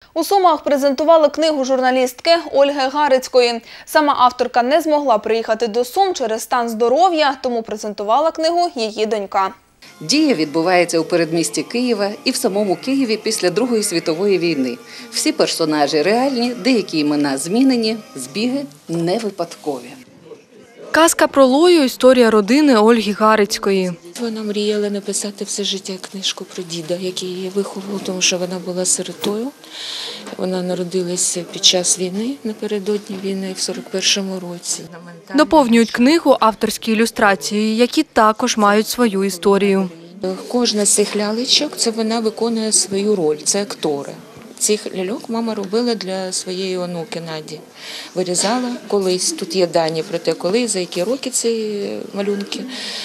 У Сумах презентували книгу журналістки Ольги Гарицької. Сама авторка не змогла приїхати до Сум через стан здоров'я, тому презентувала книгу її донька. Дія відбувається у передмісті Києва і в самому Києві після Другої світової війни. Всі персонажі реальні, деякі імена змінені, збіги не випадкові. Казка про Лою – історія родини Ольги Гарицької. Вона мріяла написати все життя книжку про діда, який її виховував, тому що вона була сиротою. Вона народилася під час війни, напередодні війни, в 41-му році. Доповнюють книгу авторські ілюстрації, які також мають свою історію. Кожна з цих лялечок – це вона виконує свою роль, це актори. Цих ляльок мама робила для своєї онуки Наді. Вирізала колись, тут є дані про те, коли, за які роки ці малюнки.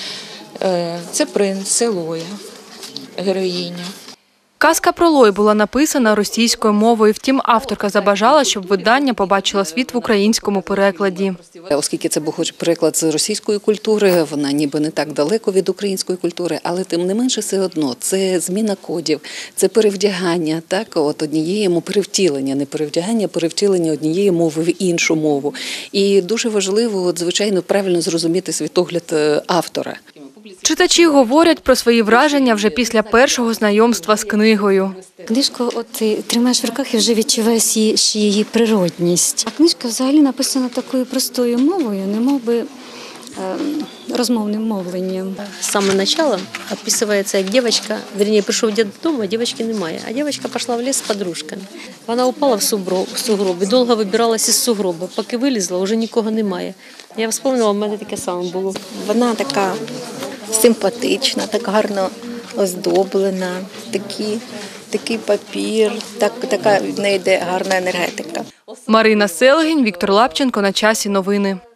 Це принц, це Лоя, героїня. Казка про Лою була написана російською мовою, втім авторка забажала, щоб видання побачило світ в українському перекладі. Оскільки це був переклад з російської культури, вона ніби не так далеко від української культури, але тим не менше все одно це зміна кодів, це перевдягання, однієї перевтілення, не перевдягання, а перевтілення однієї мови в іншу мову. І дуже важливо, звичайно, правильно зрозуміти світогляд автора. Читачі говорять про свої враження вже після першого знайомства з книгою. Книжку ти тримаєш в руках і вже відчуваєш її природність. А книжка взагалі написана такою простою мовою, немовби розмовним мовленням. З самого початку описується, як дівчинка, прийшов дід додому, а дівчинки немає. А дівчинка пішла в ліс з подружками. Вона упала в сугроб і довго вибиралася з сугроба. Поки вилізла, вже нікого немає. Я вспомнила, в мене таке саме було. Вона така симпатична, так гарно оздоблена, такий папір, така в неї йде гарна енергетика. Марина Селегінь, Віктор Лапченко. На часі новини.